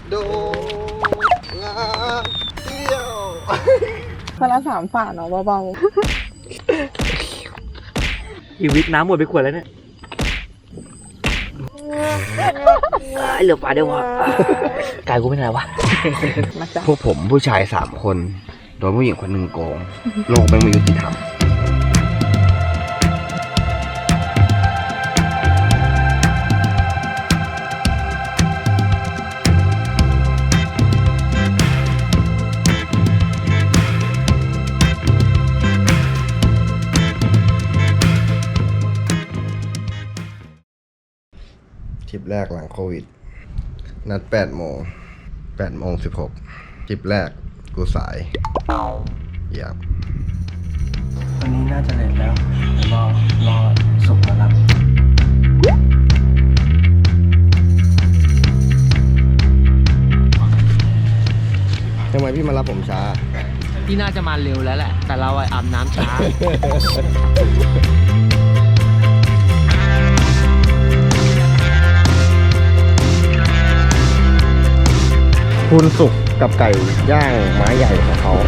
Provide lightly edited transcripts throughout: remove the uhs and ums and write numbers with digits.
โดงานเที่ยวคนละ3 ฝาเนาะเบาอีวิทน้ำหมดไปขวดแล้วเนี่ยเหลือฝาเดียววะกายกูเป็นไรวะๆมาจ้ะพวกผมผู้ชาย3 คนโดนผู้หญิงคนหนึ่งโกงโลกไม่ยุติธรรมทริปแรกหลังโควิดนัด8 โมง16ทริปแรกกูสายอยากวันนี้น่าจะเลทแล้วรอสุกแล้วครับทำไมพี่มารับผมช้าพี่น่าจะมาเร็วแล้วแหละแต่เราอาบน้ำช้าคุณสุกกับไก่ย่างไม้ใหญ่ของเขา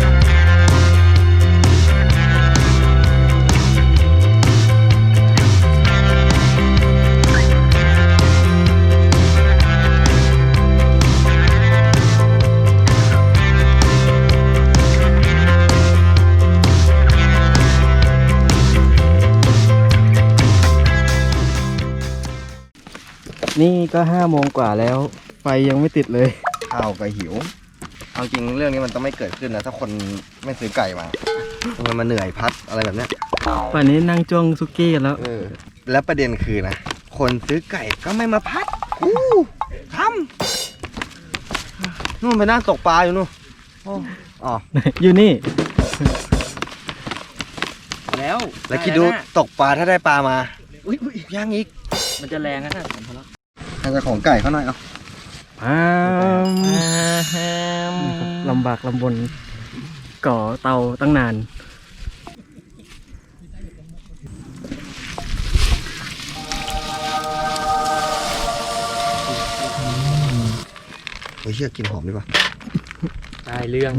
นี่ก็5 โมงกว่าแล้วไฟยังไม่ติดเลยข้าวก็หิวเอาจริงเรื่องนี้มันต้องไม่เกิดขึ้นนะถ้าคนไม่ซื้อไก่มามันมาเหนื่อยพัดอะไรแบบเนี้ยป่านนี้นั่งจ้วงซุกี้กันแล้วแล้วประเด็นคือนะคนซื้อไก่ก็ไม่มาพัดทำนู่นไปนั่งตกปลาอยู่นู่นอ๋ออยู่นี่แล้วแล้วคิดดูตกปลาถ้าได้ปลามาอุ้ยย่างอีกมันจะแรงนะผมพอแล้วให้เจ้าของไก่เขาหน่อยเอาลำบากลำบนก่อเตาตั้งนานเฮ้ยเชื่อกินหอมดีป่ะได้เรื่อง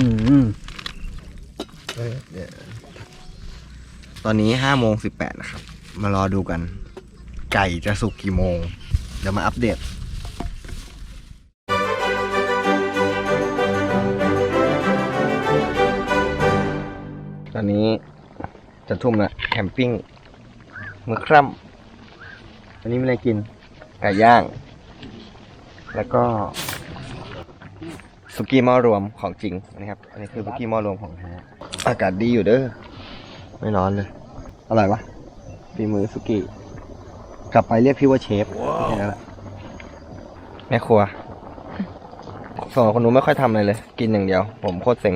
ตอนนี้5:18นะครับ มารอดูกัน ไก่จะสุกกี่โมง เดี๋ยวมาอัปเดต ตอนนี้จะทุ่มละแคมปิ้งมื้อค่ำวันนี้มีอะไรกิน ไก่ย่าง แล้วก็สุกี้หม้อรวมของจริงนะครับ อันนี้คือสุกี้หม้อรวมของแท้อากาศดีอยู่เด้อ ไม่ร้อนเลย อร่อยวะฝีมือสุกี้ กลับไปเรียกพี่ว่าเชฟแค่นั้นแหละแม่ครัวสองคนนู้นไม่ค่อยทำอะไรเลย กินอย่างเดียว ผมโคตรเซ็ง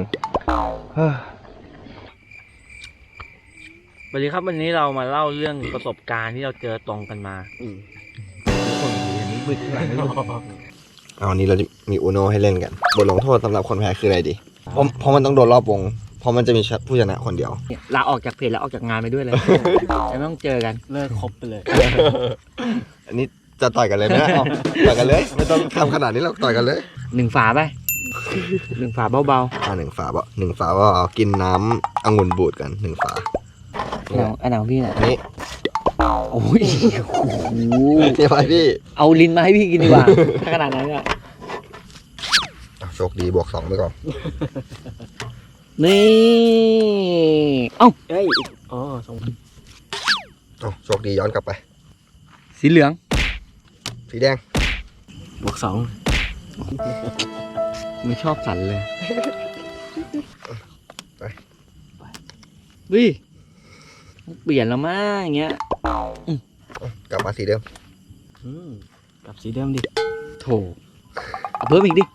สวัสดีครับวันนี้เรามาเล่าเรื่องประสบการณ์ที่เราเจอตรงกันมาคนอย่างนี้บึกหลังไม่รู้เอาวันนี้เราจะมีอูโนให้เล่นกัน บทลงโทษสำหรับคนแพ้คืออะไรดี เพราะมันต้องโดนรอบวง เพราะมันจะมีผู้ชนะคนเดียวลาออกจากเพจแล้วออกจากงานไปด้วยเลยจะไม่ต้องเจอกันเลิกคบไปเลยอันนี้จะต่อยกันเลยไหมเอาต่อยกันเลย ไม่ต้องทำขนาดนี้หรอกต่อยกันเลย 1 ฝาไป 1 ฝาเบา 1 ฝาว่าเอากินน้ำองุ่นบูดกัน1 ฝาๆอันไหนของพี่เนี่ยนี่โอ้ยเดี๋ยวไปพี่เอาลิ้นมาให้พี่กินดีกว่าถ้าขนาดนั้นก็โชคดีบวก 2ไปก่อนนี่เอ้าเอ้ยอ๋อ2 โชคดีย้อนกลับไปสีเหลืองสีแดงบวก 2ไม่ชอบสันเลยไปวิเปลี่ยนแล้วมั้งอย่างเงี้ยกลับมาสีเดิมกลับสีเดิมดิโถเอาเพิ่มอีกดิ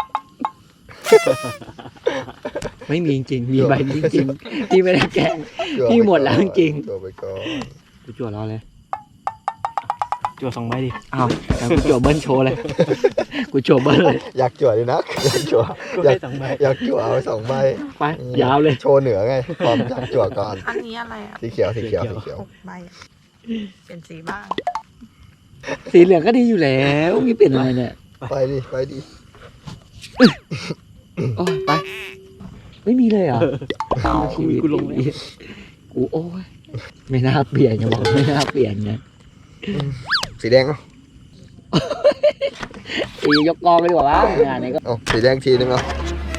ไม่มีจริงๆมีใบนี้จริงๆที่ไม่ได้แกล้ง พี่หมดแล้วจริงตัวไปก่อนกูจั่วรอเลยจั่ว2 ใบดิอ้าวงั้นกูจั่วเบิ้ลโชว์เลยกูจั่วเบิ้ลเลยอยากจั่วดินะอยากจั่วกูให้2 ใบอยากจั่วเอา2 ใบไปยาวเลยโชว์เหนือไงพร้อมอยากจั่วก่อนอันนี้อะไรอ่ะสีเขียว 6 ใบอะเปลี่ยนสีบ้างสีเหลืองก็ดีอยู่แล้วนี่เป็นอะไรเนี่ยไปดิโอ้ยไป ไม่มีเลยเหรอกูลงเลยกูโอ้ยไม่น่าเปลี่ยนอย่าบอกไม่น่าเปลี่ยนนะสีแดงเนาะตียกกองไปดีกว่าวะงานนี้ก็เอาสีแดงทีนึงเนาะ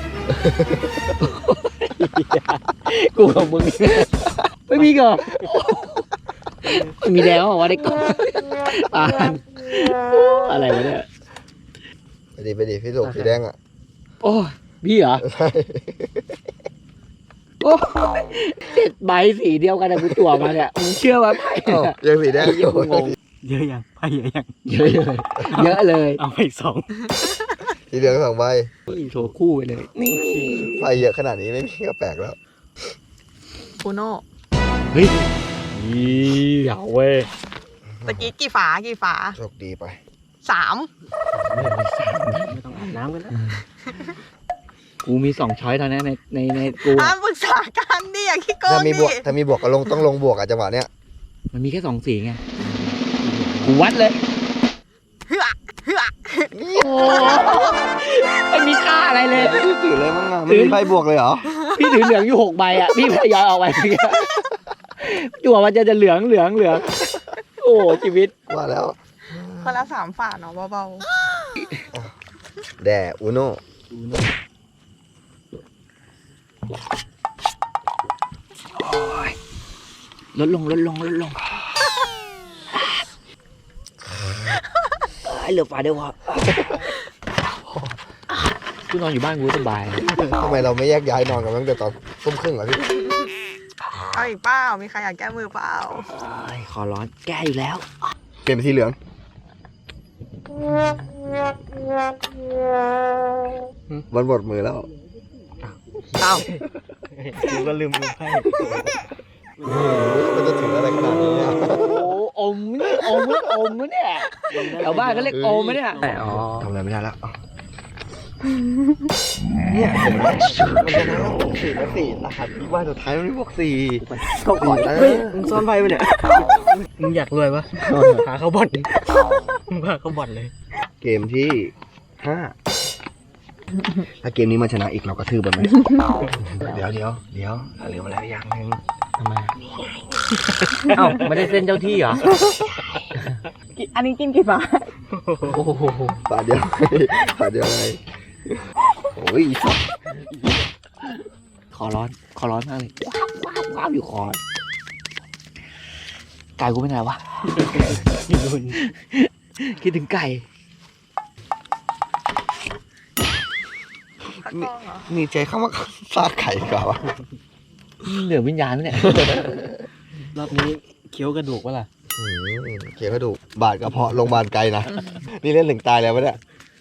กูกับมึงไม่มีก่อไม่มีแล้ววะได้ก่อนอ่านอะไรวะเนี่ยไปดิพี่สุกสีแดงอ่ะโอ้ยพี่เหรอใช่โอ้ย7 ใบสีเดียวกันนะกูจั่วมาเนี่ยมึงเชื่อว่าไพ่อ้าวเนี่ยยังสีแดงอยู่งงเยอะยังไปเยอะยังเยอะเลยเยอะเลยเอาไปอีก 2 สีเหลือง2 ใบโชว์คู่ไปเลยนี่ไฟเยอะขนาดนี้ไม่มีก็แปลกแล้วปูโน่เฮ้ยเหยาเว้ยตะกี้กี่ฝาโชคดีไป 3 ไม่ต้องอาบน้ำกันแล้วกูมี2 ช้อยเท่านั้นในกูห้ามปรึกษากันดิอย่าขี้โกถ้าง มีดิบวกก็ต้องลงบวกอ่ะจังหวะเนี้ยมันมีแค่2 สีไงกูวัดเลยเฮือเฮือโอ้ไม่มีค่าอะไรเลยถือเลยมั้งอ่ะไม่มีไฟบวกเลยเหรอพี่ถือเหลืองอยู่6 ใบอ่ะพี่พยายออกไปจั่วมันจะเหลืองโอ้ชีวิตว่าแล้วคนละ3 ฝาเนาะเบาแด่อุโน่ลดลงเหลือฝาเดียวพอกูนอนอยู่บ้านกูสบายทำไมเราไม่แยกย้ายนอนกันตั้งแต่ตอนทุ่มครึ่งอ่ะพี่ๆเอาอีกเปล่ามีใครอยากแก้มือเปล่าขอร้อนแก้อยู่แล้วเปลี่ยนเป็นสีเหลืองมันหมดมือแล้วเอ้ากูก็ลืมดูไพ่มันจะถืออะไรขนาดนี้เนี่ยโอ้อมเนี่ยแถวบ้านก็เรียกอมเนี่ยอ๋อทำอะไรไม่ได้แล้วเนี่ยเห็นไหมมันจะนั่ง4 รหัสพี่ว่าสุดท้ายมันไม่บวก4 ก็ก่อนเฮ้ยมึงซ่อนไพ่ไปเนี่ยมึงอยากรวยปะหาเข้าบ่อนมึงพาเข้าบ่อนเลยเกมที่ 5 ถ้าเกมนี้มันชนะอีกเราก็ทืบมันไหมเดี๋ยวเหลืออะไรอย่างหนึงทำไมเอ้าไม่ได้เส้นเจ้าที่เหรออันนี้กินกี่ฝาโอ้โหฝาเดียวไงโอ้ยขอร้อนมากเลยว้าวอยู่คอไก่กูเป็นไงวะอยู่นู่นคิดถึงไก่ตะกร้องเหรอนี่ใจเข้ามาซากไข่ดีกว่าวะเหนือวิญญาณเนี่ยรอบนี้เคี้ยวกระดูกปะล่ะเขียวกระดูกบาดกระเพาะโรงพยาบาลไกลนะ นี่เล่นถึงตายแล้ววะเนี่ย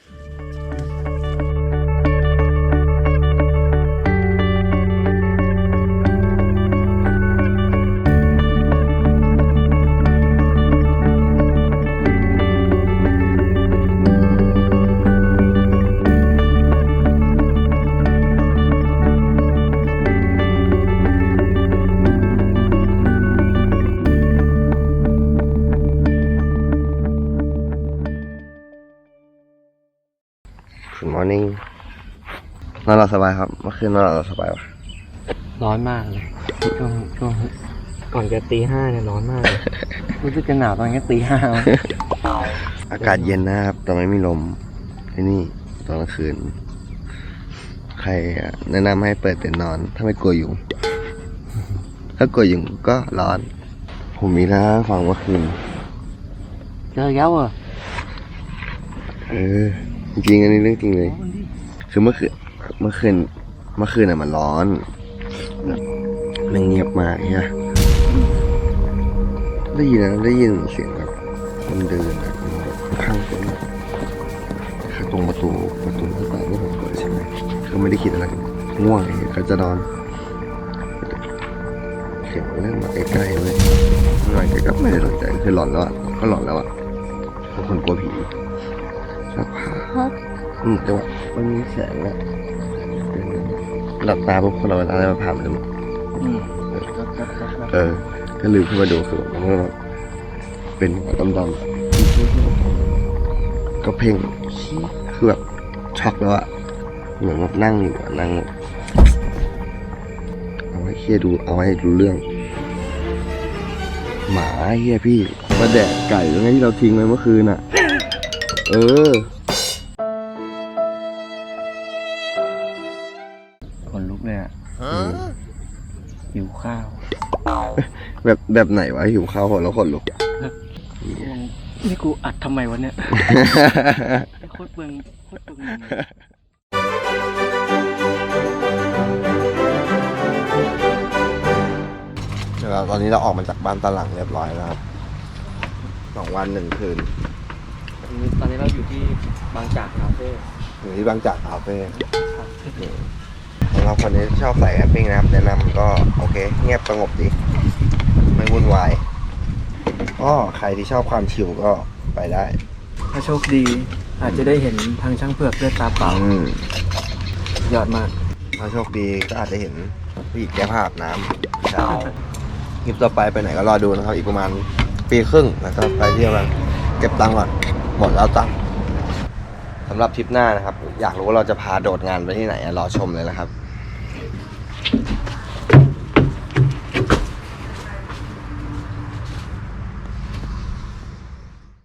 Good morning นอนหลับสบายครับ เมื่อคืนนอนหลับสบายวะร้อนมากเลยช่วงก่อนจะตี 5เนี่ยร้อนมากเลยรู้สึกจะหนาวตอนนี้ตี 5 อากาศเย็นนะครับ แต่ไม่มีลมที่นี่ตอนกลางคืน ใครแนะนำให้เปิดเต็นท์นอน ถ้าไม่กลัวยุง ถ้ากลัวยุงก็ร้อน ผมมีนะฟังเมื่อคืนเจอแล้วเหรอจริงๆอันนี้เรื่องจริงเลย คือเมื่อคืนอ่ะมันร้อนแบบมันเงียบมากใช่ไหมได้ยินเสียงแบบคนเดินอะมันแบบข้างตรงคือตรงประตูหน้าต่างที่ผมเปิดใช่ไหมคือไม่ได้คิดอะไรง่วงไงก็จะนอนเสียงเรื่องมาใกล้ๆเลยหน่อยก็ไม่ได้สนใจคือหลอนแล้วอ่ะก็หลอนแล้วอ่ะเป็นคนกลัวผีสักพักจังหวะมันมีแสงอะหลับตาปุ๊บคนเราอะไรมาผ่านมันเลยก็ลืมขึ้นมาดูคือมันก็แบบเป็นหัวดำๆก็เพ่งคือแบบช็อกแล้วอะเหมือนแบบนั่งอยู่นั่งเอาให้เคลียร์ดูเอาให้รู้เรื่อง หมาเฮียพี่มาแดกไก่แล้วไงที่เราทิ้งไว้เมื่อคืนอ่ะคนลุกเลยอ่ะหิวข้าวแบบไหนวะหิวข้าวแล้วขนลุกนี่กูอัดทำไมวะเนี่ย โคตรเบิ่งตอนนี้เราออกมาจากบ้านตาหลังเรียบร้อยแล้วครับ2 วัน 1 คืนตอนนี้เราอยู่ที่บางจากคาเฟ่อยู่ที่บางจากคาเฟ่สำหรับคนที่ชอบสายแคมปิ้งนะครับแนะนำก็โอเค เงียบสงบดีไม่วุ่นวายก็ใครที่ชอบความชิลก็ไปได้ถ้าโชคดีอาจจะได้เห็นทางช่างเผือกด้วยตาเปล่า ยอดมากถ้าโชคดีก็อาจจะเห็นผู้หญิงแก้ผ้าอาบน้ำใช่คลิปต่อไปไปไหนก็รอดูนะครับ อีกประมาณปีครึ่งแล้วก็ไปเที่ยวกันเก็บตังค์ก่อนหมดแล้วตังค์สำหรับทริปหน้านะครับ อยากรู้ว่าเราจะพาโดดงานไปที่ไหนรอชมเลยนะครับ